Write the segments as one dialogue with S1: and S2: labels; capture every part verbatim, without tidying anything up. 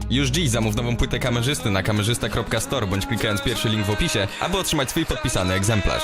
S1: Już dziś zamów nową płytę kamerzysty na kamerzysta kropka store bądź klikając pierwszy link w opisie, aby otrzymać swój podpisany egzemplarz.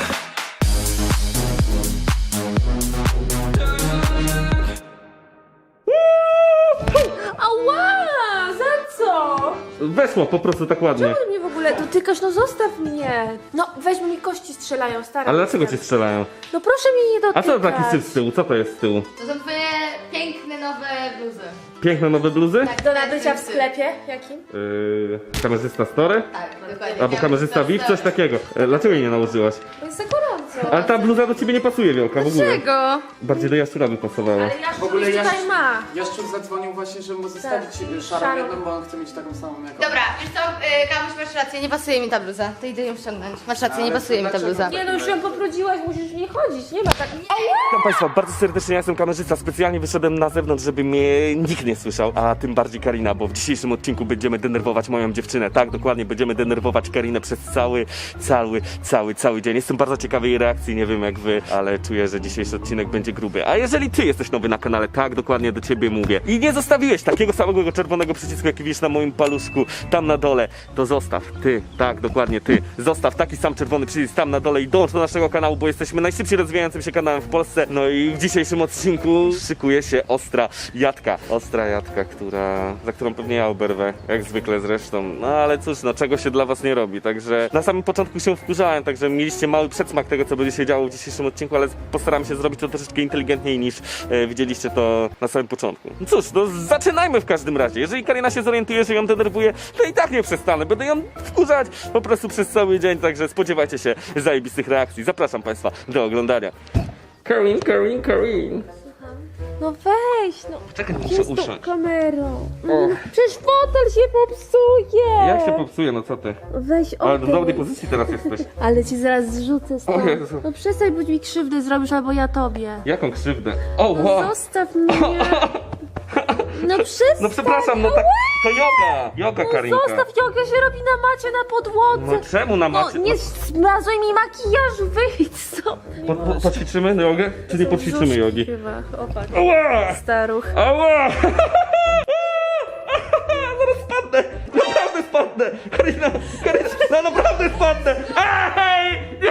S2: Ała! Za co?
S3: Weszło po prostu tak ładnie.
S2: Czemu mnie w ogóle dotykasz? No zostaw mnie! No weź mi kości strzelają, stara.
S3: Ale dlaczego cię strzelają?
S2: No proszę mnie nie
S3: A
S2: dotykać.
S3: co taki syf z tyłu? Co to jest z tyłu?
S4: To są twoje piękne nowe bluzy.
S3: Piękne nowe bluzy?
S4: Tak,
S2: Do nabycia w sklepie? Jakim?
S3: Yy, kamerzysta Store?
S4: Tak, dokładnie.
S3: Albo kamerzysta V I P? Coś takiego. E, Dlaczego jej nie nałożyłaś?
S2: Bo jest za gorąco.
S3: Ale ta bluza do ciebie nie pasuje, Wielka, w ogóle.
S2: Dlaczego?
S3: Bardziej do Jaszczura by pasowała.
S2: Ale ja
S5: W ogóle
S2: tutaj
S5: Jaszczur,
S2: ma.
S5: Jaszczur zadzwonił właśnie, żeby mu zostawić
S2: Tak,
S5: szarą
S2: szarą.
S5: jedną, bo on chce mieć taką samą jak on.
S4: Dobra, wiesz co, yy, Kamuś, masz rację, nie pasuje mi ta bluza. To idę ją ściągnąć. Masz rację, nie
S5: Ale
S4: pasuje mi ta
S5: dlaczego?
S4: bluza.
S2: Nie no, już ją pobrudziłaś, musisz nie chodzić, nie ma tak.
S3: Witam Państwa, bardzo serdecznie, ja jestem kamerzysta. Specjalnie wyszedłem na zewnątrz, żeby mnie nikt nie słyszał, a tym bardziej Karina, bo w dzisiejszym odcinku będziemy denerwować moją dziewczynę. Tak, dokładnie, będziemy denerwować Karinę przez cały, cały, cały, cały dzień. Jestem bardzo ciekawy jej reakcji, nie wiem jak wy, ale czuję, że dzisiejszy odcinek będzie gruby. A jeżeli ty jesteś nowy na kanale, tak, dokładnie do ciebie mówię i nie zostawiłeś takiego samego czerwonego przycisku, jaki widzisz na moim paluszku, tam na dole, to zostaw, ty, tak, dokładnie ty, zostaw taki sam czerwony przycisk tam na dole i dołącz do naszego kanału, bo jesteśmy najszybciej rozwijającym się kanałem w Polsce. No i w dzisiejszym odcinku szykuje się ostra jadka. Ostra jadka, która, za którą pewnie ja oberwę, jak zwykle zresztą. No ale cóż, no czego się dla was nie robi. Także na samym początku się wkurzałem, także mieliście mały przedsmak tego, co będzie się działo w dzisiejszym odcinku, ale postaram się zrobić to troszeczkę inteligentniej niż e, widzieliście to na samym początku. No cóż, no zaczynajmy w każdym razie. Jeżeli Karina się zorientuje, że ją denerwuje, to i tak nie przestanę. Będę ją wkurzać po prostu przez cały dzień, także spodziewajcie się zajebistych reakcji. Zapraszam Państwa do oglądania. Karin, Karin, Karin.
S2: No weź, no.
S3: Czekaj, muszę
S2: Jest tą
S3: usiąść.
S2: kamerą. No, przecież fotel się popsuje.
S3: Jak się popsuje, no co ty?
S2: Weź
S3: Ale
S2: odejdź.
S3: w dobrej pozycji teraz jesteś.
S2: Ale ci zaraz zrzucę stąd.
S3: O Jezu.
S2: No przestań, bo mi krzywdę zrobisz, albo ja tobie.
S3: Jaką krzywdę? O,
S2: No
S3: wow.
S2: zostaw mnie. No przestań.
S3: No przepraszam, no tak, to yoga. Yoga,
S2: No
S3: Karinka.
S2: zostaw, joga się robi na macie, na podłodze.
S3: No czemu na
S2: No
S3: macie?
S2: nie zmazuj mi makijażu, wyjdź stąd.
S3: Po, po, poćwiczymy jogę? Czy nie poćwiczymy jogi?
S2: Chyba, opak.
S3: Ała!
S2: Staruch.
S3: Ała! Zaraz spadnę! Naprawdę spadnę! Karina! Karina! No naprawdę spadnę! Ej! Nie!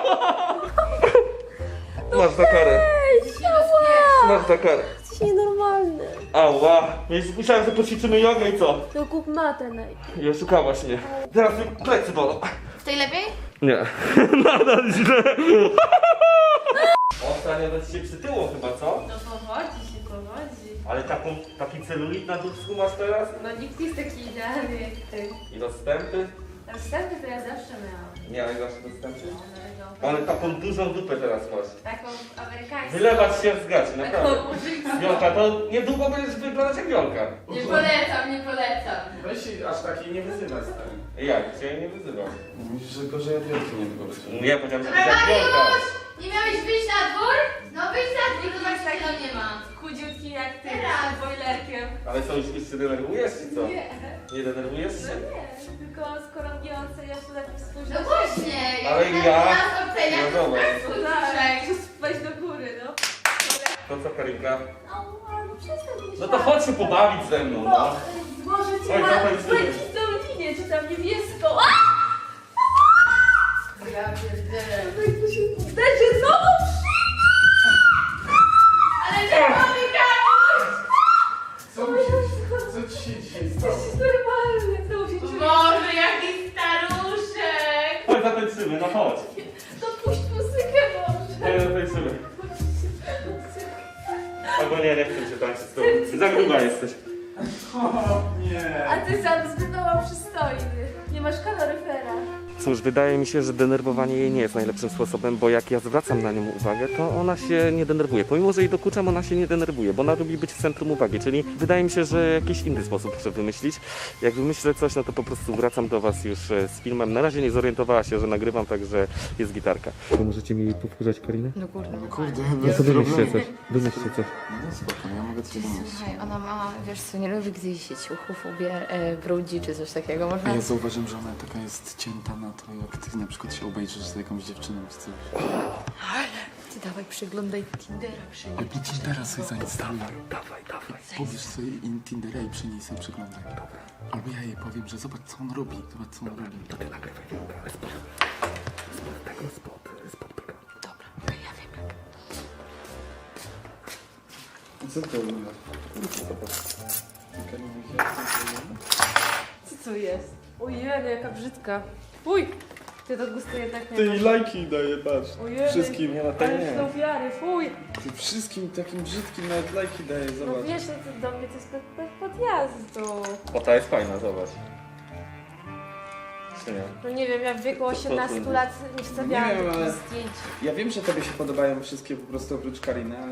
S3: Masz za karę.
S2: Ej, ała!
S3: Masz za karę.
S2: Jesteś nienormalny.
S3: Ała! Myślałem, że poćwiczymy jogę i co?
S2: To kup matę najpierw.
S3: I oszukałaś mnie. Teraz mi plecy bolą.
S4: W tej lepiej?
S3: Nie. Nadal źle. Ostatnio do ciebie przytyło chyba, co?
S2: No powodzi się, powodzi.
S3: Ale taką, taki celulit na dupsku masz teraz?
S2: No nikt nie jest taki idealny jak ty.
S3: I rozstępy?
S2: Następny to ja zawsze miałam.
S3: Miałeś zawsze dostępy? Ale taką dużą dupę teraz masz.
S2: Taką amerykańską.
S3: Wylewać się z gaci, naprawdę.
S2: Taką murzyńską.
S3: Wiolka, to niedługo będziesz wyglądać jak Wiolka.
S4: Nie polecam, nie polecam.
S5: Weź się aż takiej nie wyzywać stary.
S3: Jak? Cię nie wyzywam.
S5: Myślisz, że gorzej od wielki nie było.
S3: Nie, powiedziałem, że
S4: Dobra,
S3: jak Wiolka.
S4: Mariusz! Nie miałeś wyjść na dwór? No wyjdź na dwór, zobacz, jak tam nie ma.
S2: Chudziutki jak ty,
S4: Teraz.
S2: z bojlerkiem.
S3: Ale co, już, już się denerwujesz, czy co?
S2: Nie,
S3: Nie denerwujesz się?
S2: no nie, tylko skoro mnie oceniasz, to lepiej spójrz
S4: No właśnie, jak
S3: Ale
S4: na
S3: ja-
S4: nas oceniasz,
S3: no
S4: to
S3: dobra.
S4: nas
S2: Tak,
S4: uczysz.
S2: weź do góry, no.
S3: To co, Karinka?
S2: Ała, no przestań mnie
S3: No to chodź się pobawić ze mną, no.
S2: Złożę cię
S3: Oj,
S2: na
S3: zatańczymy.
S2: błękitną linię, czy tam niebieską. A!
S4: Ja pierdzielę.
S2: Dajcie znowu
S4: Ale nie mamy Kamuś!
S5: Co, mi się- co ci się dzisiaj stało?
S2: Jesteś normalny, znowu się czuję.
S4: Boże, jaki staruszek!
S3: Chodź, zatańczymy, no chodź.
S2: To puść muzykę może.
S3: Chodź, zatańczymy. Albo nie, nie chcę się tańczyć z tobą. Za gruba jesteś.
S5: O, nie.
S2: A ty sam zbyt mało przystojny. Nie masz kaloryfera.
S3: Cóż, wydaje mi się, że denerwowanie jej nie jest najlepszym sposobem, bo jak ja zwracam na nią uwagę, to ona się nie denerwuje. Pomimo, że jej dokuczam, ona się nie denerwuje, bo ona lubi być w centrum uwagi, czyli wydaje mi się, że jakiś inny sposób muszę wymyślić. Jak wymyślę coś, no to po prostu wracam do was już e, z filmem. Na razie nie zorientowała się, że nagrywam, także jest gitarka. To możecie mi powtórzać, Karinę?
S4: No kurde.
S5: Kurde,
S3: No
S5: bez
S3: to wymyślcie
S5: problemu.
S3: coś, wymyślcie coś.
S5: No spoko, ja mogę coś wymyślić.
S4: Słuchaj, ona ma, wiesz co, nie lubi, gdy się ciuchów ubie, e, brudzi czy coś takiego. Można...
S5: A ja zauważyłem, że ona taka jest cięta na to, jak ty na przykład się obejrzysz z jakąś dziewczyną czy coś.
S4: Ty dawaj, przeglądaj Tindera,
S5: Albo Tindera sobie zainstaluj. Dawaj, dawaj. Pobierz sobie in Tindera i przy niej sobie przeglądaj. Dobra. Albo ja jej powiem, że zobacz co on robi. Zobacz co on robi. To ty nagrywaj. Spod tego, spod, spod tego.
S4: Dobra, to ja wiem jak.
S5: Co to
S2: Co to jest? Ojej, jaka brzydka. Fuj! Ty to gustu jednak nie
S5: Ty
S2: masz.
S5: i lajki daje, patrz.
S2: Ojej,
S5: Wszystkim.
S3: Nie, no to
S2: ale
S3: nie.
S2: są ofiary, fuj!
S5: Ty wszystkim takim brzydkim nawet lajki daje,
S2: No
S5: zobacz.
S2: wiesz, no to do mnie to jest pod, pod, podjazdu.
S3: O, ta jest fajna, zobacz. Czy nie?
S2: No nie wiem, ja w wieku osiemnastu lat nie wstawiałam
S5: Nie wiem,
S2: takich
S5: ale-
S2: zdjęć.
S5: Ja wiem, że tobie się podobają wszystkie po prostu oprócz Kariny, ale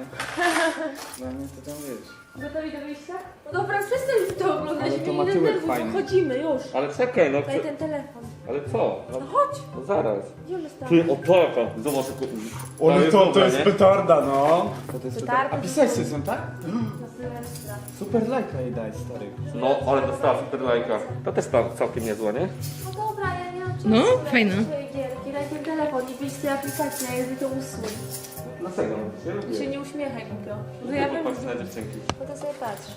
S5: dla mnie to tam wiesz.
S2: Gotowi do wyjścia? No dobra, przestań to oglądać,
S5: Ale to
S2: mnie
S5: ma
S2: nie
S5: tyłek
S2: denerwuj,
S5: fajny.
S2: wychodzimy już.
S3: Ale czekaj, no
S2: Daj
S3: chcę...
S2: ten telefon.
S3: Ale co? No,
S2: No chodź,
S3: no zaraz.
S2: idziemy stąd.
S3: Ty, o taka! Zobacz, jak...
S5: Ale to, to
S3: dobra,
S5: jest
S3: nie?
S5: petarda, no. To, to jest
S2: Petarda
S5: petarda. A
S2: to
S5: pisałeś
S2: są-
S5: sobie są, tak?
S2: Na Sylwestra.
S5: Super lajka jej daj, stary.
S3: No, ale dostała super lajka. To też tam całkiem niezła, nie?
S2: No dobra, ja nie mam czasu.
S4: No,
S2: na
S4: fajna.
S2: swoje gierki. Daj ten telefon i wyjść z tej aplikacji, a ja to usuń.
S3: Dlaczego? Ja
S2: Ty się
S3: lubię.
S2: nie uśmiechaj, głupio. No ja wiem,
S3: Patrz na
S2: że...
S3: dziewczynki.
S2: No to sobie patrz.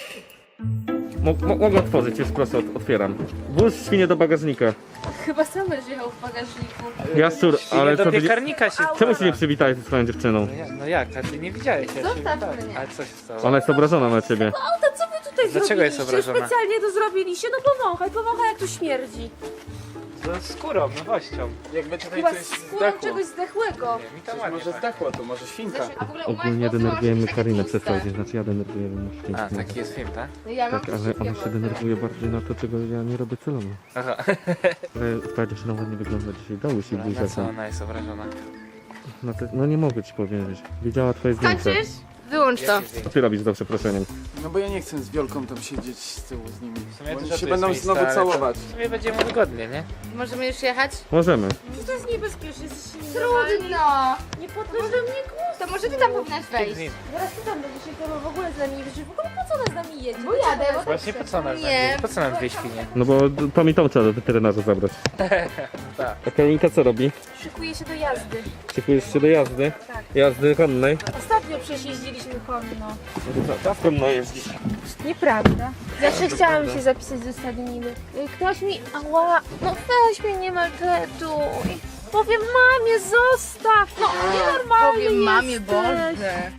S3: Mo- mo- mogę otworzyć, już proszę, ot- otwieram. Włóż świnie do bagażnika.
S2: Chyba sam będziesz jechał w bagażniku.
S3: Jaszczur, ale
S6: do
S3: co ty...
S6: piekarnika się...
S3: Czemu się nie przywitałeś ze swoją dziewczyną?
S6: No jak, no jak, a ty nie widziałeś, ja się
S2: Zostaw
S6: witałem.
S2: mnie.
S6: Ale co się stało?
S3: Ona jest obrażona na ciebie.
S2: Auta, co wy tutaj
S6: Dlaczego jest
S2: zrobiliście?
S6: obrażona?
S2: Specjalnie to zrobiliście? No powąchaj, powąchaj jak tu śmierdzi.
S6: No skórą, nowością. Jakby tutaj
S2: Chyba
S6: coś
S2: skórą
S6: zdechło.
S2: czegoś zdechłego.
S6: Nie, mi to
S5: Coś
S6: ładnie
S5: może
S6: pachnie.
S5: zdechło, to może świnka.
S2: A w ogóle
S3: Ogólnie denerwujemy Karinę przez cały dzień, znaczy ja denerwuję ją
S6: A, taki jest film, tak?
S2: No ja mam
S3: Tak, ale ona się denerwuje bardziej na to, czego ja nie robię celowo.
S6: Aha.
S3: Ale twoja dziewczyna ładnie wygląda dzisiaj, dało się
S6: No, na
S3: buziaka.
S6: co ona jest obrażona?
S3: No, to, no nie mogę ci powiedzieć. Widziała twoje zdjęcie.
S2: Kończysz? Wyłącz to.
S6: Jakie zdjęcie?
S3: Co ty robisz za przeproszeniem?
S5: No bo ja nie chcę z Wiolką tam siedzieć z tyłu z nimi.
S6: sumie
S5: Bo
S6: też
S5: oni
S6: to
S5: się
S6: jest
S5: będą
S6: miejsce,
S5: znowu
S6: ale to-
S5: całować.
S6: W sumie będziemy wygodnie, nie?
S2: Możemy już jechać?
S3: Możemy.
S2: To jest niebezpieczne, jesteś
S4: Trudno!
S2: Nie podnoś do mnie głos.
S4: To może ty tam powinnaś wejść.
S2: Zaraz ty tam będziesz jechał, w ogóle z nami nie wiesz, w ogóle po co ona z nami jedzie?
S4: Bo jadę, bo
S6: Właśnie po co nam
S4: Nie.
S6: Po co nam dwie świnie?
S3: No bo to mi tą trzeba do weterynarza zabrać.
S6: Tak.
S3: A Karinka co robi?
S2: Szykuje się do jazdy.
S3: Szykujesz się do jazdy?
S2: Tak.
S3: Jazdy konnej?
S2: Ostatnio przecież jeździliśmy konno.
S3: Tak konno jeździsz.
S2: Nieprawda. Zawsze chciałam się zapisać do stadniny. Ktoś mi... Ała, no weź mnie, nie maltretuj. Powiem mamie, zostaw. No nienormalny
S4: Powiem mamie,
S2: jesteś.
S4: Boże.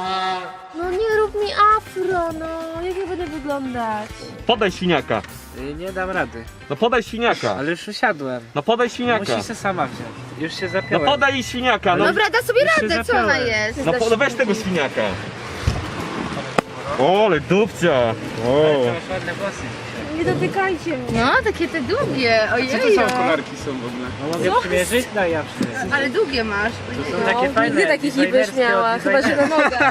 S2: No nie rób mi afro, no. Jak ja będę wyglądać?
S3: Podaj świniaka.
S6: Y, Nie dam rady.
S3: No podaj świniaka.
S6: Ale już usiadłem.
S3: No podaj świniaka.
S6: Musi się sama wziąć. Już się
S3: No
S6: zapiąłem.
S3: podaj jej świniaka, no.
S4: Dobra, da sobie
S6: Już się
S4: radę, co ona
S6: zapiąłem.
S4: jest?
S3: No po, weź tego świniaka. O, ale dupcia. O.
S6: Ale to masz ładne włosy dzisiaj.
S2: Nie dotykajcie mnie.
S4: No, takie te długie,
S5: Co to
S4: ojej.
S5: za kolarki są w ogóle?
S6: No mogę przymierzyć? Daj ja przymierzę.
S4: Ale długie masz.
S6: To są
S4: Ojej.
S6: takie fajne.
S2: Nigdy takich nie będziesz
S6: designerskie
S2: miała,
S6: od
S2: chyba że na nogach.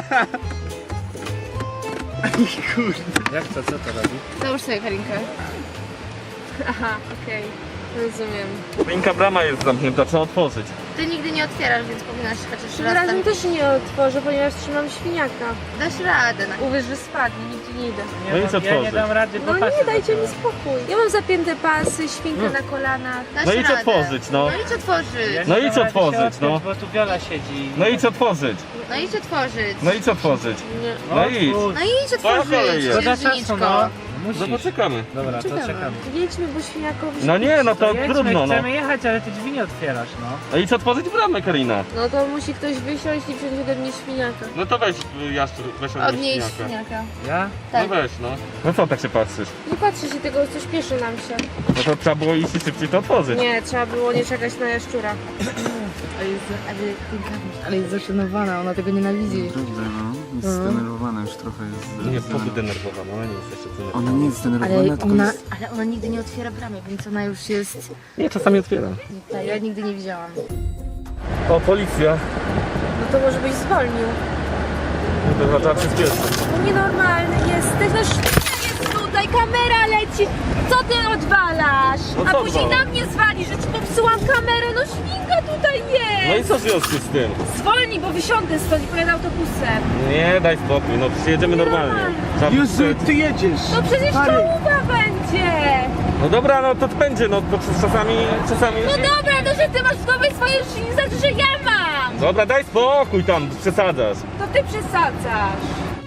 S6: Jak to? Co to robi?
S4: Załóż sobie Karinkę.
S2: Aha, okej. Rozumiem.
S3: Karinka, brama jest zamknięta, trzeba otworzyć.
S4: Ty nigdy nie otwierasz, więc powinnaś chociaż
S2: Tym
S4: raz
S2: razem
S4: tam...
S2: też nie otworzę, ponieważ trzymam świniaka.
S4: Dasz radę. Na...
S2: Uwierz, że spadnie, nigdzie nie idę.
S6: Nie,
S3: No i
S6: bo
S3: co
S6: ja nie
S3: tworzyć?
S6: dam rady, bo
S2: No
S6: pasy
S2: nie, dajcie mi
S6: zapiąłem.
S2: spokój. Ja mam zapięte pasy, świnkę na kolanach.
S4: Dasz
S3: No idź
S4: radę.
S3: otworzyć, no.
S4: No idź otworzyć.
S6: Ja nie
S3: No
S6: dam
S3: idź
S6: rady się
S3: otworzyć,
S6: odpiąć,
S3: no.
S6: Bo tu Wiola siedzi.
S3: No idź otworzyć.
S4: No idź otworzyć.
S3: No idź otworzyć.
S2: Nie.
S3: No idź.
S6: otwórz.
S4: No idź
S3: Twoja kolej
S4: otworzyć,
S3: jest.
S6: To da
S4: księżniczko.
S6: czasu, no.
S3: No
S6: Musisz.
S3: poczekamy.
S6: Dobra, to czekam.
S2: Jedźmy, bo świniakowi...
S3: No nie, no to
S6: Jedźmy,
S3: trudno, no.
S6: chcemy jechać, ale ty drzwi nie otwierasz, no.
S3: No idź otworzyć bramę, Karina.
S2: No to musi ktoś wysiąść i wziąć ode mnie świniaka.
S3: No to weź, Jaszczur, weź od
S4: Od
S3: niej
S4: niej
S3: świniaka.
S4: świniaka.
S6: Ja?
S3: No
S4: Tak.
S3: weź, no. No co tak się patrzysz?
S2: Nie patrzę się tego, co śpieszy nam się.
S3: No to trzeba było iść i szybciej to otworzyć.
S2: Nie, trzeba było nie czekać na jaszczura.
S4: Ale jest, ale, ale jest zaszanowana, ona tego nienawidzi.
S5: Prawda, no. Jest zdenerwowana już trochę. Jest
S3: Nie, poby denerwowana, ona nie jest jeszcze
S5: Ona
S3: zdenerwowana.
S5: nie jest
S4: Ale
S5: zdenerwowana, tylko
S4: ona,
S5: jest...
S4: ale ona nigdy nie otwiera bramy, więc ona już jest...
S3: Nie, czasami otwiera.
S4: Ja nigdy nie widziałam.
S3: O, policja.
S2: No to może byś zwolnił.
S3: To trzeba przyspieszyć.
S2: No nienormalny jesteś, no świnia jest tutaj, kamera leci. Co ty odwalasz?
S3: No
S2: A
S3: co
S2: później
S3: odwalam?
S2: na mnie zwali, że ci popsułam kamerę. No świnka tutaj jest.
S3: No i co w związku z tym?
S2: Zwolnij, bo wysiądę stąd i pojadę autobusem.
S3: Nie, daj spokój, no przyjedziemy normalnie. Trzeba
S5: Jezu,
S3: przyspieszyć.
S5: ty jedziesz!
S2: No przecież
S5: Stary.
S2: czołówa będzie.
S3: No dobra, no to będzie, no to czasami, czasami...
S2: No dobra, no że ty masz w głowie swoje szyny, znaczy, że ja mam.
S3: Dobra, daj spokój tam, przesadzasz.
S2: To ty przesadzasz.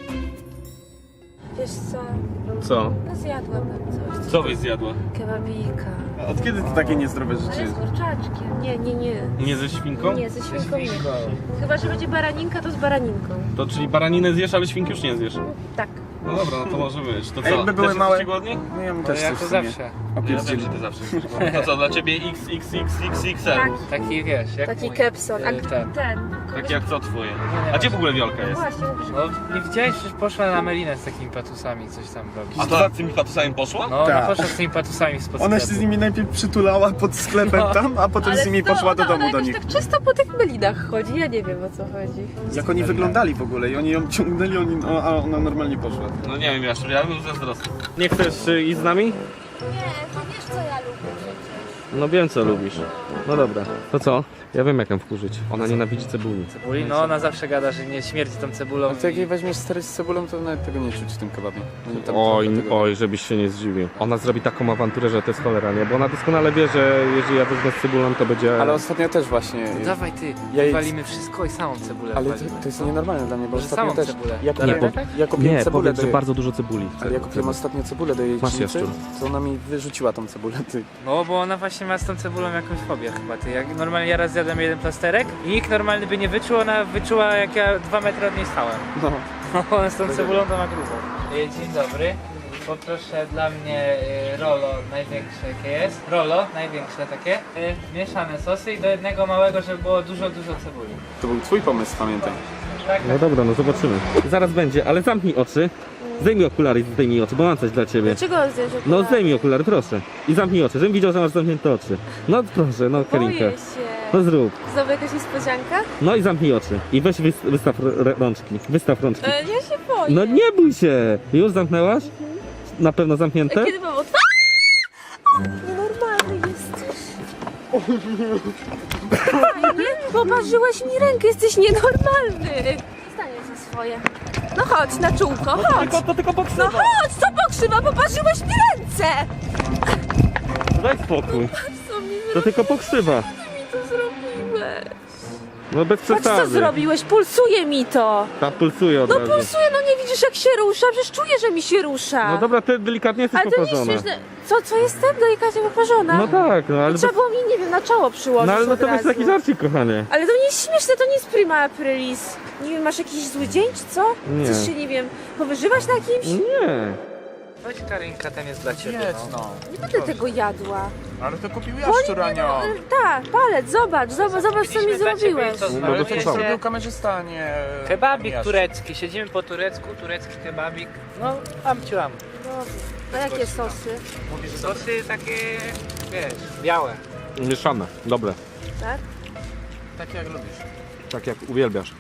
S2: Wiesz co?
S3: Co?
S2: No zjadłabym coś.
S3: Co byś zjadła?
S2: Kebabika.
S5: A od kiedy to takie niezdrowe
S2: Ale
S5: rzeczy?
S2: z kurczaczkiem. Nie, nie, nie.
S3: Nie ze świnką?
S2: Nie, ze świnką nie. Chyba, że będzie baraninka, to z baraninką.
S3: To czyli baraninę zjesz, ale świnki już nie zjesz.
S2: Tak.
S3: No dobra, no to może być. To
S5: A jakby były
S3: Też
S5: małe-
S3: jesteście głodni?
S5: No ja bym
S6: To
S5: też
S6: jak
S5: coś
S6: to
S5: w sumie
S6: zawsze.
S3: Ja wiem,
S5: opierdzielił.
S3: że ty zawsze jesteś głodny. To co, dla ciebie X X X X X L?
S2: Tak.
S6: Taki wiesz, jak
S2: Taki
S6: mój.
S2: kepson. A
S6: Y, ten.
S2: ten.
S3: Tak jak co twoje? A gdzie w ogóle Wiolka jest?
S2: Właśnie, mówisz.
S6: No nie widziałeś, że poszła na Melinę z takimi patusami, coś tam robić.
S3: A to z tymi patusami poszła?
S6: No, ona
S5: Tak.
S6: poszła z tymi patusami spod
S5: Ona się
S6: sklepu.
S5: z nimi najpierw przytulała pod sklepem
S6: No.
S5: tam, a potem z nimi
S2: to
S5: poszła do
S2: ona,
S5: domu
S2: ona
S5: do
S2: jakoś
S5: nich.
S2: tak czysto po tych melinach chodzi, ja nie wiem o co chodzi.
S5: Jak oni wyglądali w ogóle i oni ją ciągnęli, oni, no, a ona normalnie poszła.
S3: No nie wiem, Jaszczur, ja bym zazdrosny. Nie chcesz y, iść z nami?
S2: Nie, to wiesz co ja lubię przecież.
S3: No wiem co lubisz. No dobra. To co? Ja wiem jak ją wkurzyć. Ona nienawidzi cebuli.
S6: Cebuli? No ona zawsze gada, że nie śmierdzi tą cebulą.
S5: To jak jej weźmiesz stary z cebulą, to nawet tego nie czuć w tym kebabie. Oni tam
S3: Oj,
S5: trochę tego-
S3: oj, żebyś się nie zdziwił. Ona zrobi taką awanturę, że to jest cholera, nie? Bo ona doskonale wie, że jeżeli ja wezmę z cebulą, to będzie...
S5: Ale ostatnio też właśnie...
S6: Dawaj ty,
S5: Ja jej-
S6: walimy wszystko i samą cebulę
S5: Ale to,
S6: walimy.
S5: to jest nienormalne dla mnie, bo
S6: Że
S5: ostatnio
S6: samą
S5: też...
S6: cebulę.
S5: Ja
S6: Dalej,
S5: kupiłem,
S6: tak?
S5: ja kupiłem
S3: Nie,
S5: cebulę
S3: powiedz,
S5: do
S3: że
S5: jej...
S3: bardzo dużo cebuli.
S5: Ale ja kupiłem ostatnio cebulę do jej
S3: Masz,
S5: pszenicy,
S3: Jaszczur.
S5: to ona mi wyrzuciła tą cebulę, ty.
S6: No bo ona właśnie ma z tą cebulą jakąś fobię chyba ty. Jak normalnie ja raz zjadłem jeden plasterek i nikt normalny by nie wyczuł, ona wyczuła jak ja dwa metry od niej stałem.
S5: No.
S6: No, z tą cebulą to ma grubo. Dzień dobry. Poproszę dla mnie y, rolo największe jakie jest. Rolo, największe takie. Y, mieszane sosy i do jednego małego, żeby było dużo, dużo cebuli.
S5: To był twój pomysł, pamiętaj.
S6: Tak,
S3: No dobra, no zobaczymy. Zaraz będzie, ale zamknij oczy. Zdejmij okulary i zdejmij oczy, bo mam coś dla ciebie.
S2: Dlaczego zdjęć okulary?
S3: No zdejmij okulary, proszę. I zamknij oczy, żebym widział, że masz zamknięte oczy. No proszę, no Karinka.
S2: Boję się.
S3: No zrób.
S2: Znowu jakaś niespodzianka?
S3: No i zamknij oczy. I weź wys wystaw r- rączki. Wystaw rączki.
S2: E, ja się boję.
S3: No nie bój się! Już zamknęłaś? Na pewno zamknięte?
S2: E, Kiedy mam otwarć? Nienormalny jesteś. Fajnie, poparzyłeś mi rękę, jesteś nienormalny. Zostaję za swoje. No chodź na czółko, chodź.
S3: Tylko, to tylko
S2: No
S3: pokrzywa.
S2: chodź, co pokrzywa, poparzyłeś mi ręce.
S3: Daj spokój.
S2: Co mi,
S3: To tylko pokrzywa.
S2: mi to zrobiłeś?
S3: No bez
S2: Patrz co
S3: przesady.
S2: zrobiłeś, pulsuje mi to.
S3: Ta pulsuje od
S2: No
S3: razu.
S2: pulsuje, no nie widzisz jak się rusza, przecież czuję, że mi się rusza.
S3: No dobra, ty delikatnie jesteś
S2: Ale to nie jest
S3: poparzona.
S2: śmieszne. Co, co jestem delikatnie poparzona?
S3: No tak, no ale...
S2: Trzeba było mi, nie wiem, na czoło przyłożyć
S3: No ale no
S2: od
S3: to jest
S2: razu.
S3: taki żarcik, kochanie.
S2: Ale to nie jest śmieszne, to nie jest prima aprilis. Nie wiem, masz jakiś zły dzień, czy co?
S3: Nie.
S2: Chcesz się, nie wiem, powyżywać na kimś?
S3: Nie.
S6: Chodź Karinka, ten jest dla ciebie. No.
S2: Nie będę tego jadła.
S5: Ale to kupił
S2: Boli mnie, no, e, tak, palec, zobacz, zobacz, zobacz co mi
S6: Kupiliśmy dla ciebie
S2: zrobiłeś.
S6: i co,
S3: No,
S6: smażyliście?
S3: to
S5: kamerzysta, a nie...
S6: Kebabik turecki, siedzimy po turecku, turecki kebabik. No, amciuam.
S2: A jakie sosy,
S6: Sosy takie, wiesz, białe.
S3: Mieszane, dobre.
S2: tak?
S5: Tak jak lubisz.
S3: Tak jak uwielbiasz.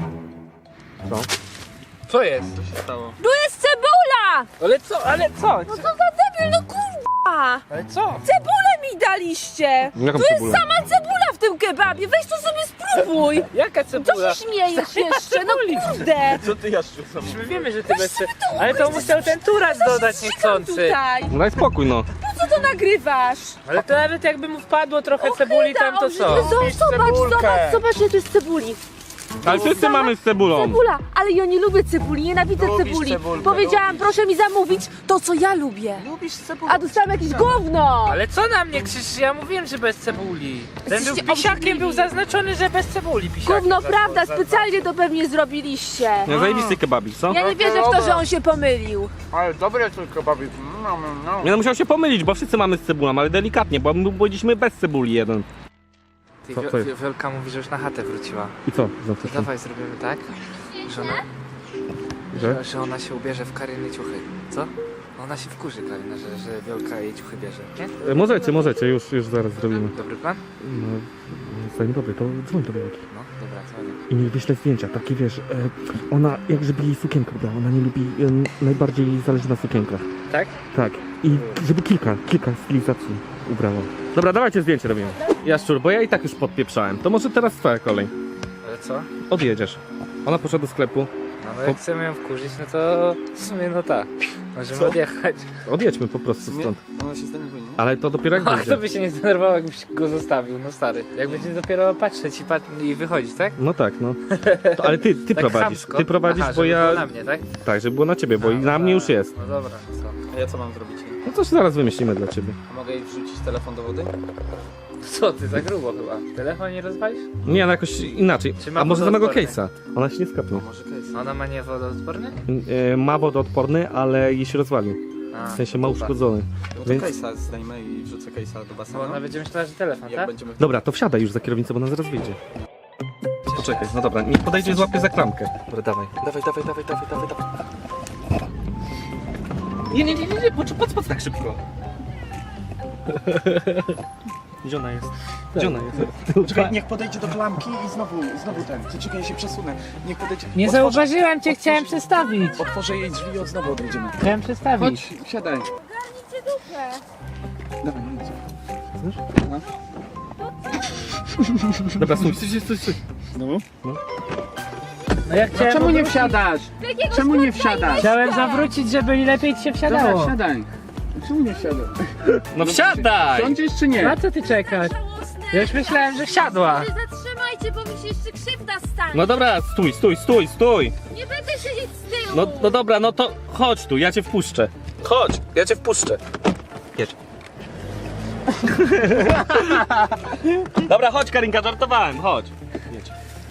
S3: Co?
S6: Co jest? Co się stało?
S2: Tu jest cebula!
S6: Ale co, ale co?
S2: No co za debil, no kurwa!
S6: Ale co?
S2: Cebulę mi daliście!
S3: Jaką
S2: Tu jest
S3: cebulę?
S2: sama cebula w tym kebabie, weź to sobie spróbuj!
S6: Jaka
S2: Co
S6: cebula?
S2: się śmiejesz jeszcze, no kurde!
S5: Co ty, Jaszczu,
S6: Przecież my wiemy, że ty bez ce... Ale to musiał ten turas dodać
S2: Zrzygam
S6: niechcący.
S2: tutaj!
S3: No daj spokój, no.
S2: Po co to nagrywasz?
S6: Ale to nawet jakby mu wpadło trochę cebuli tam, to co?
S2: Obrzydliwe, zobacz, zobacz, zobacz, zobacz, ile tu jest cebuli.
S3: Ale wszyscy mamy z cebulą.
S2: Cebula, ale ja nie lubię cebuli, nienawidzę
S5: Lubisz
S2: cebuli.
S5: cebulkę,
S2: Powiedziałam,
S5: lubisz.
S2: proszę mi zamówić to, co ja lubię.
S5: Lubisz cebulę?
S2: A dostałam jakieś gówno.
S6: Ale co na mnie krzyczysz? Ja mówiłem, że bez cebuli. Ten był
S2: Jesteście
S6: pisiakiem,
S2: obrzydliwi.
S6: był zaznaczony, że bez cebuli pisiakiem.
S2: Gówno,
S6: za-
S2: prawda,
S6: za-
S2: specjalnie to pewnie zrobiliście.
S3: No zajebisty kebabik, co?
S2: Ja nie wierzę w to, że on się pomylił.
S5: Ale dobre to kebabik. No, no, no.
S3: Nie no, musiał się pomylić, bo wszyscy mamy z cebulą, ale delikatnie, bo my byliśmy bez cebuli jeden.
S6: Ty,
S3: Co-
S6: Wio-
S3: co jest?
S6: Wio- Wiolka mówi, że już na chatę wróciła.
S3: I co? Za
S6: To
S3: co?
S6: dawaj zrobimy tak, że ona,
S3: Że?
S6: że ona się ubierze w Karyny ciuchy. Co? Ona się wkurzy, Karyna, że, że Wiolka jej ciuchy bierze, nie?
S3: E, Możecie, możecie, już, już zaraz zrobimy.
S6: Dobry plan?
S3: No, zanim dobry, to dzwoń do Wielki.
S6: No, dobra, co nie?
S3: I niech wyśle zdjęcia, takie wiesz, e, ona, jak żeby jej sukienkę brała, ona nie lubi, e, najbardziej jej zależy na sukienkach.
S6: Tak?
S3: Tak, i żeby kilka, kilka stylizacji ubrała. Dobra, dawajcie zdjęcie robimy. Jaszczur, bo ja i tak już podpieprzałem, to może teraz twoja kolej.
S6: Ale co?
S3: Odjedziesz. Ona poszła do sklepu,
S6: No, no jak chcemy ją wkurzyć, no to w sumie no tak. Możemy
S5: Co?
S6: odjechać.
S3: Odjedźmy po prostu
S5: Nie,
S3: stąd.
S5: ona się zdenerwuje, nie?
S3: Ale to dopiero jak
S6: A
S3: będzie.
S6: kto by się nie zdenerwował, jakbyś go zostawił, no stary. Jak będzie dopiero patrzeć i, pat i wychodzić, tak?
S3: No tak, no. To, ale ty, ty
S6: Tak
S3: prowadzisz.
S6: chamsko.
S3: Ty prowadzisz,
S6: Aha,
S3: bo
S6: żeby
S3: ja...
S6: było na mnie, tak?
S3: Tak, żeby było na ciebie, bo i na mnie już jest.
S6: No dobra, co?
S5: A ja co mam zrobić?
S3: No coś zaraz wymyślimy dla ciebie.
S5: A mogę jej wrzucić telefon do wody?
S6: Co ty, za grubo chyba. Telefon nie rozwalisz?
S3: Nie, no jakoś inaczej.
S6: Czy ma
S3: A może samego
S6: wodoodporny?
S3: case'a? Ona się nie skapnie.
S5: Może case.
S6: Ona ma nie wodoodporny?
S3: Yy, ma wodoodporny, ale jej się rozwalił.
S6: A,
S3: W sensie ma
S6: dupa.
S3: uszkodzony.
S5: No to
S3: Więc-
S5: case'a zdejmę i wrzucę case'a do basenu.
S6: Bo ona będzie myślała, że telefon,
S5: Jak
S6: tak?
S5: będziemy...
S3: Dobra, to wsiadaj już za kierownicę, bo ona zaraz wyjdzie. Poczekaj, no dobra, niech podejdzie i złapie za klamkę. Dobra, dawaj. Dawaj, dawaj, dawaj, dawaj, dawaj, dawaj. Nie, nie, nie, nie, nie, patrz, patrz, patrz tak szybko. Gdzie ona jest? Gdzie ona jest?
S7: Czekaj, niech podejdzie do klamki i znowu, znowu ten. Czekaj, ja się przesunę. Niech podejdzie.
S6: Nie
S7: Otworzę-
S6: zauważyłem cię, chciałem
S7: otworzę-
S6: przestawić.
S7: Otworzę jej drzwi i od znowu odejdziemy.
S6: Chciałem przestawić.
S7: Chodź, siadaj.
S2: Ogarnijcie dupę.
S7: Dawaj, no idź.
S3: Dobra, stój, stój, stój, stój.
S7: No.
S6: No ja chciałem
S7: Czemu nie
S6: obrócić-
S7: wsiadasz?
S2: Jakiegoś
S7: Czemu nie
S2: chłopca
S7: wsiadasz?
S6: Chciałem zawrócić, żeby lepiej ci się wsiadało.
S7: Dobra, siadaj. Czemu nie wsiadasz?
S3: No wsiadaj!
S7: Sądzisz czy nie?
S6: Na co ty czekasz?
S2: żałosne.
S6: Ja już myślałem, że wsiadła.
S2: Wy zatrzymajcie, bo mi się jeszcze krzywda stanie.
S3: No dobra, stój, stój, stój, stój.
S2: Nie będę siedzieć z tyłu.
S3: No, no dobra, no to chodź tu, ja cię wpuszczę. Chodź, ja cię wpuszczę. Jedź. Dobra, chodź Karinka, żartowałem, chodź. Jedź.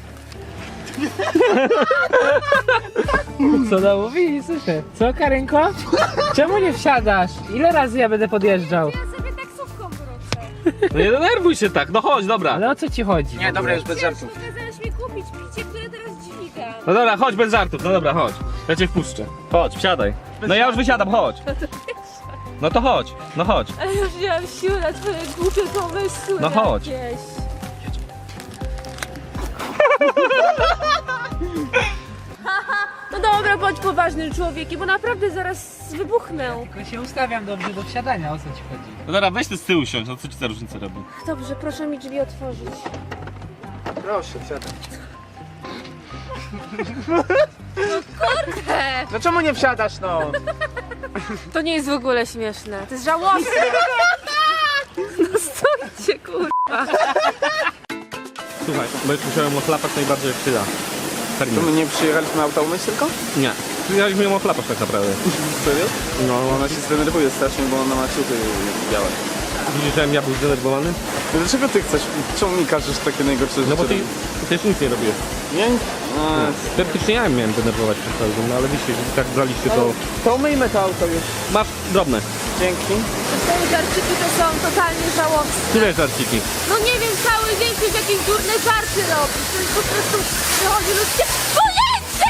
S6: Co no mówi? Słyszę. Co, Karynko? Czemu nie wsiadasz? Ile razy ja będę podjeżdżał?
S2: Ja sobie taksówką wrócę.
S3: No nie denerwuj się tak, no chodź, dobra.
S6: Ale o co ci chodzi?
S7: Nie, dobra, już bez żartów.
S2: Kazałeś mi kupić picie, które teraz dźwigam.
S3: No dobra, chodź bez żartów, no dobra, chodź. Ja cię wpuszczę. Chodź, wsiadaj. No ja już wysiadam, chodź. No to chodź, no chodź.
S2: Ale już nie mam siły na twoje głupie pomysły.
S3: No chodź.
S2: jakieś. No dobra, bądź poważnym człowiekiem, bo naprawdę zaraz wybuchnę.
S6: Tylko się ustawiam dobrze do wsiadania, o co ci chodzi?
S3: No dobra, weź ty z tyłu siądź, no co ci za różnica robi?
S2: Dobrze, proszę mi drzwi otworzyć.
S7: Proszę, siadaj.
S2: He,
S7: No czemu nie wsiadasz, no?
S2: to nie jest w ogóle śmieszne. To jest żałosne. No stójcie, kurwa.
S3: Słuchaj, bo już musiałem ochlapać najbardziej jak ty da.
S5: To my nie przyjechaliśmy auta umyć tylko?
S3: Nie. Przyjechaliśmy ją ochlapać tak naprawdę.
S5: Serio?
S3: No,
S5: Ona się zdenerwuje strasznie, bo ona ma ciuchy białe.
S3: widzisz, że ja był zdenerwowany?
S5: No dlaczego ty chcesz? Czemu mi każesz takie najgorsze rzeczy?
S3: No bo ty,
S5: robić?
S3: ty też nic nie robiłeś.
S5: Nie? A,
S3: Teoretycznie ja miałem denerwować przez cały dzień, no ale wiecie, że tak braliście to...
S7: To umyjmy to auto już.
S3: Masz drobne.
S5: dzięki.
S2: Te żarciki to są totalnie żałosne.
S3: Które żarciki?
S2: No nie wiem, cały dzień ktoś jakieś durne żarty robi. To jest po prostu przychodzi ludzkie pojęcie!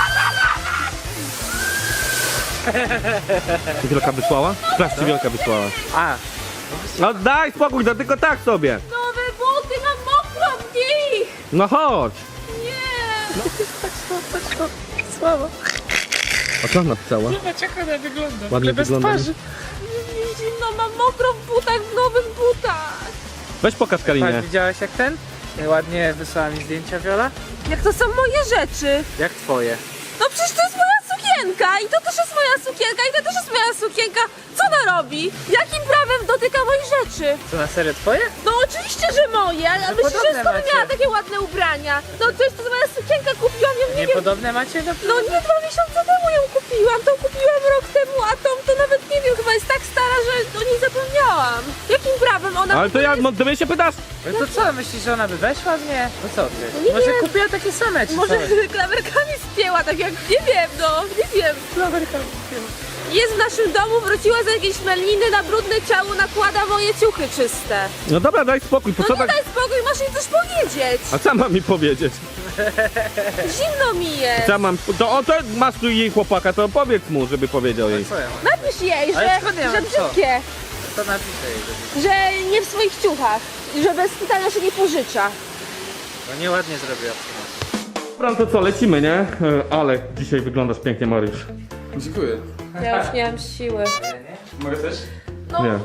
S3: Wielka wysłała? Sprawdź, czy Wielka wysłała.
S6: A,
S3: No daj spokój, no tylko tak sobie.
S2: Nowe buty, mam mokro w nich!
S3: No chodź.
S2: Nie!
S6: słabo.
S3: A co ona napisała?
S6: Zobacz jak ona wygląda.
S3: Ładnie
S6: bez
S3: wygląda, nie?
S6: twarzy.
S2: Nie zimno, mam mokro w butach, w nowych butach.
S3: Weź pokaż Karinie.
S6: Patrz, widziałaś jak ten? Ładnie wysłała mi zdjęcia Wiola.
S2: Jak to są moje rzeczy?
S6: Jak twoje?
S2: No przecież to jest moja sukienka i to też jest moja sukienka i to też jest moja sukienka. Co ona robi? Jakim prawem dotyka moich rzeczy?
S6: Co, na serio twoje?
S2: No oczywiście, że moje, ale myślisz, że
S6: podobne
S2: skąd
S6: macie.
S2: miała takie ładne ubrania? No to jest to moja sukienka, kupiłam ją, nie wiem.
S6: Niepodobne macie do...
S2: No nie, dwa miesiące temu ją kupiłam, tą kupiłam rok temu, a tą to nawet nie wiem, chyba jest tak stara, że o niej zapomniałam. Jakim prawem ona...
S3: Ale to ja, no, ty mnie się pytasz?
S6: No to co, myślisz, że ona by weszła w nie? No co ty?
S2: nie
S6: Może
S2: wiem.
S6: kupiła takie same, czy
S2: Może
S6: co?
S2: klamerkami spięła, tak jak, nie wiem, no, nie wiem.
S6: Klamerkami spięła.
S2: Jest w naszym domu, wróciła z jakiejś meliny, na brudne ciało nakłada moje ciuchy czyste.
S3: No dobra, daj spokój, po
S2: No
S3: co
S2: nie
S3: tak...
S2: daj spokój, masz jej coś powiedzieć.
S3: A co mam mi powiedzieć?
S2: Zimno mi jest.
S3: Co mam... To, o, to masz tu jej chłopaka, to powiedz mu, żeby powiedział jej.
S6: Co ja mam?
S2: Napisz jej,
S6: Ale
S2: że,
S6: skąd ja
S2: że
S6: mam co?
S2: brzydkie,
S6: To napiszę jej, że...
S2: że nie w swoich ciuchach, że bez pytania się nie pożycza.
S6: No nieładnie zrobiła.
S3: Dobra, to co, lecimy, nie? E, Ale dzisiaj wyglądasz pięknie, Mariusz.
S5: Dziękuję.
S2: Ja już nie mam siły.
S5: Mogę też?
S2: No,
S3: Nie.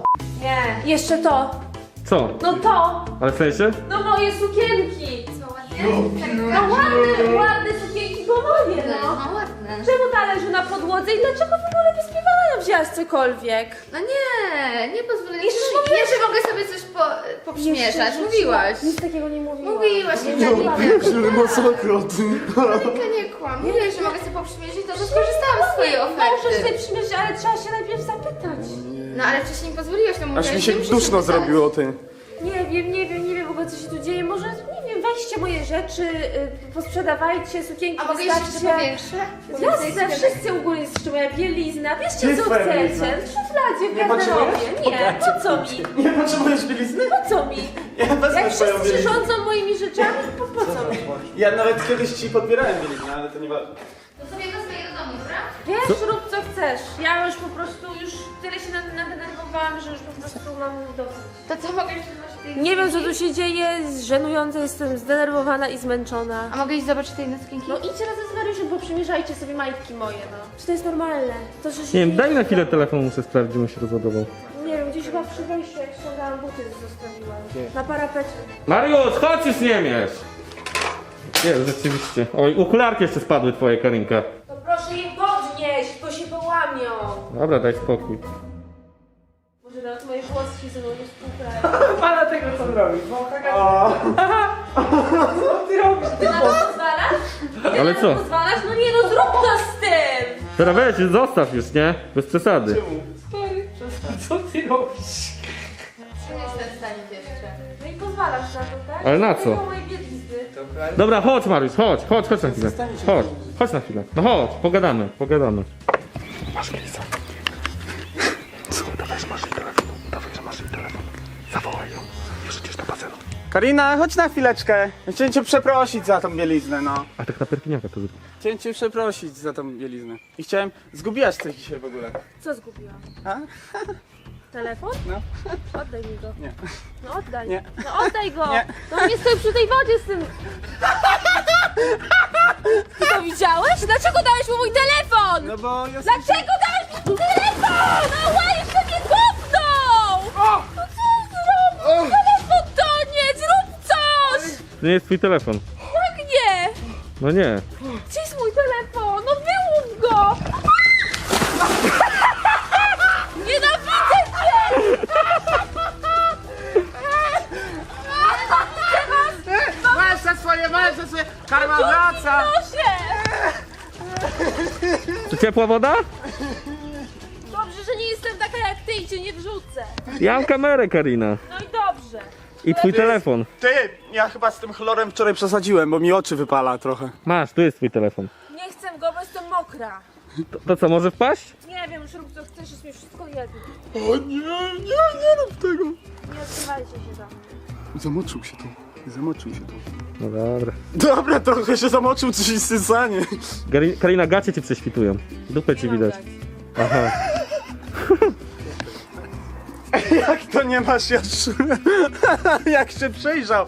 S2: nie. Jeszcze to.
S3: Co?
S2: No to.
S3: Ale w sensie?
S2: No moje sukienki. No ładne, ładne sukienki, bo moje, no.
S4: No ładne.
S2: Czemu ta leży na podłodze i dlaczego w ogóle bez piwania wzięłaś cokolwiek?
S4: No nie, nie pozwolę.
S2: Jeszcze
S4: Jeszcze,
S2: mówiłaś-
S4: jeszcze mogę sobie coś po, poprzmieszać.
S2: Jeszcze
S4: Mówiłaś.
S2: Nic takiego nie mówiłaś.
S4: Mówiłaś, nie
S7: No,
S4: Karinka.
S7: masakra, ty.
S4: Karinka, nie kłam. Mówiłaś, że mogę sobie poprzymierzyć, to że skorzystałam z swojej
S2: Możesz
S4: oferty.
S2: sobie przymierzyć, ale trzeba się najpierw zapytać.
S4: No ale wcześniej mi pozwoliłaś, to mówiłaś,
S7: Aż mi się
S4: że musisz
S7: duszno
S4: zapytać.
S7: zrobiło, ty.
S2: Nie wiem, nie wiem, nie wiem w ogóle co się tu dzieje. Może, nie wiem, weźcie moje rzeczy, y, posprzedawajcie, sukienki
S4: A mogę jeszcze
S2: wystarczy.
S4: powiększe?
S2: Jasne, wszyscy u góry jest jeszcze moja bielizna. Bierzcie
S7: Gdzie
S2: co
S7: twoja
S2: chcecie.
S7: bielizna?
S2: W szufladzie, w
S7: Nie potrzebujesz?
S2: garderobie. Nie, po co mi?
S7: Nie potrzebujesz bielizny?
S2: Po co mi?
S7: Ja wezmę
S2: Jak
S7: twoją
S2: wszyscy
S7: bieliznę.
S2: rządzą moimi rzeczami, po, po co mi?
S7: Ja nawet kiedyś ci podbierałem bieliznę, ale to nieważne.
S4: To sobie wezmę je do domu, dobra?
S2: Wiesz, rób co chcesz. Ja już po prostu, już tyle się nad- nadenerwowałam, że już po prostu mam dosyć.
S4: To co, mogę jeszcze zobaczyć tej
S2: Nie wiem co
S4: sukienki?
S2: tu się dzieje, jest żenujące, jestem zdenerwowana i zmęczona.
S4: A mogę iść zobaczyć tej sukienki?
S2: No idźcie razem z Mariuszem, poprzymierzajcie sobie majtki moje, no. Czy to jest normalne? To, że się
S3: Nie wiem, daj na chwilę telefon, muszę sprawdzić, gdzie mu się rozładował.
S2: Nie wiem, gdzieś chyba przy wejściu, jak ściągałam buty, zostawiłam. Na parapecie.
S3: Mariusz, chodź już nie miesz! Jest, rzeczywiście. Oj, okularki jeszcze spadły twoje, Karinka.
S2: To proszę je podnieść, bo się połamią.
S3: Dobra, daj spokój.
S2: Może nawet moje włosy się ze mną nie współpracują.
S6: Pana tego co robi, bo
S2: Ty na to pozwalasz? Ty
S3: Ale
S2: na
S3: co?
S2: to pozwalasz? No nie no, zrób to z tym!
S3: Teraz weź, zostaw już, nie? Bez przesady.
S6: co ty robisz?
S4: Nie jestem w stanie jeszcze.
S2: No i pozwalasz na to, tak?
S3: Ale na co?
S2: Tylko moje bielizny.
S3: Dobra, chodź Mariusz, chodź, chodź, chodź na chwilę. Chodź, chodź na chwilę. No chodź, pogadamy, pogadamy.
S7: Masz Lisa. Co? Dawaj, że masz jej telefon. Dawaj, że masz jej telefon. Zawołaj ją. Już idziesz do basenu. Karina, chodź na chwileczkę. Chciałem cię przeprosić za tą bieliznę, no.
S3: A tak na perpiniaka to zrób.
S7: Chciałem cię przeprosić za tą bieliznę. I chciałem... Zgubiłaś coś dzisiaj w ogóle.
S2: Co zgubiłam?
S7: A?
S2: Telefon?
S7: No.
S2: Oddaj mi go.
S7: Nie.
S2: No oddaj.
S7: Nie.
S2: No oddaj go.
S7: Nie.
S2: No nie stoi przy tej wodzie z tym. Ty to widziałeś? Dlaczego dałeś mu mój telefon?
S7: No bo ja...
S2: Dlaczego dałeś mi mój telefon? No jeszcze mnie kopnął! No co zrobił? Telefon to nie, zrób coś!
S3: To nie jest twój telefon.
S2: Jak nie?
S3: No nie.
S2: Gdzie jest mój telefon? No wyłów go! Nienawidzę cię!
S7: Masz za swoje, masz za swoje! Karma wraca!
S2: Proszę!
S3: To ciepła woda?
S2: Dobrze, że nie jestem taka jak ty i cię nie wrzucę.
S3: Ja mam kamerę, Karina.
S2: No i dobrze.
S3: I twój telefon.
S7: Ty, ja chyba z tym chlorem wczoraj przesadziłem, bo mi oczy wypala trochę.
S3: Masz, tu jest twój telefon.
S2: Nie chcę go, bo jestem mokra.
S3: To, to co, może wpaść?
S2: Nie wiem, już rób co chcesz, jest mi wszystko jedno.
S7: O nie, nie, nie rób tego!
S2: Nie odkrywajcie się za mnie.
S7: Zamoczył się tu, zamoczył się tu.
S3: No dobra.
S7: Dobra, trochę się zamoczył, coś jest sysanie.
S3: Gari- Karina, gacie ci prześwitują. Dupę ci
S2: Nie mam
S3: widać.
S2: dać.
S3: Aha.
S7: Jak to nie masz jeszcze? Jak się przejrzał?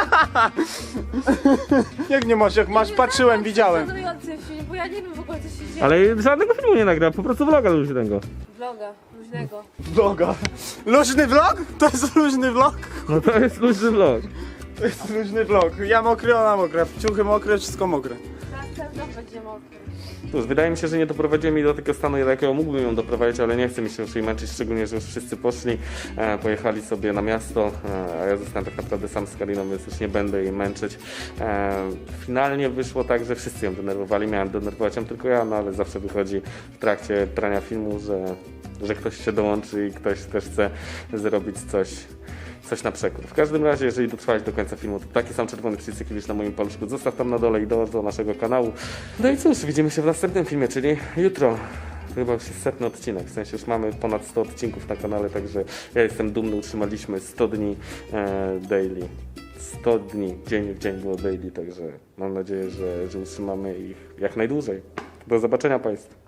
S7: Jak nie masz, jak masz, patrzyłem, widziałem.
S2: Żenujący film, bo ja nie wiem w ogóle co się dzieje.
S3: Ale żadnego filmu nie nagra, po prostu vloga luźnego.
S2: Vloga, luźnego.
S7: Vloga. Luźny vlog? To jest luźny vlog?
S3: No to jest luźny vlog.
S7: To jest luźny vlog. Ja mokry, ona mokra. Ciuchy mokre, wszystko mokre.
S2: Następna będzie mokry.
S3: Cóż, wydaje mi się, że nie doprowadziłem jej do takiego stanu, do jakiego mógłbym ją doprowadzić, ale nie chcę mi się już jej męczyć, szczególnie, że już wszyscy poszli, e, pojechali sobie na miasto, e, a ja zostałem tak naprawdę sam z Kariną, więc już nie będę jej męczyć. E, finalnie wyszło tak, że wszyscy ją denerwowali, miałem denerwować ją tylko ja, no ale zawsze wychodzi w trakcie trania filmu, że, że ktoś się dołączy i ktoś też chce zrobić coś coś na przekór. W każdym razie, jeżeli dotrwałeś do końca filmu, to taki sam czerwony przycisk, jaki widzisz na moim paluszku, zostaw tam na dole i dołącz do naszego kanału. No i cóż, widzimy się w następnym filmie, czyli jutro. To chyba już jest setny odcinek, w sensie już mamy ponad sto odcinków na kanale, także ja jestem dumny, utrzymaliśmy sto dni e, daily. sto dni, dzień w dzień było daily, także mam nadzieję, że, że utrzymamy ich jak najdłużej. Do zobaczenia Państwu.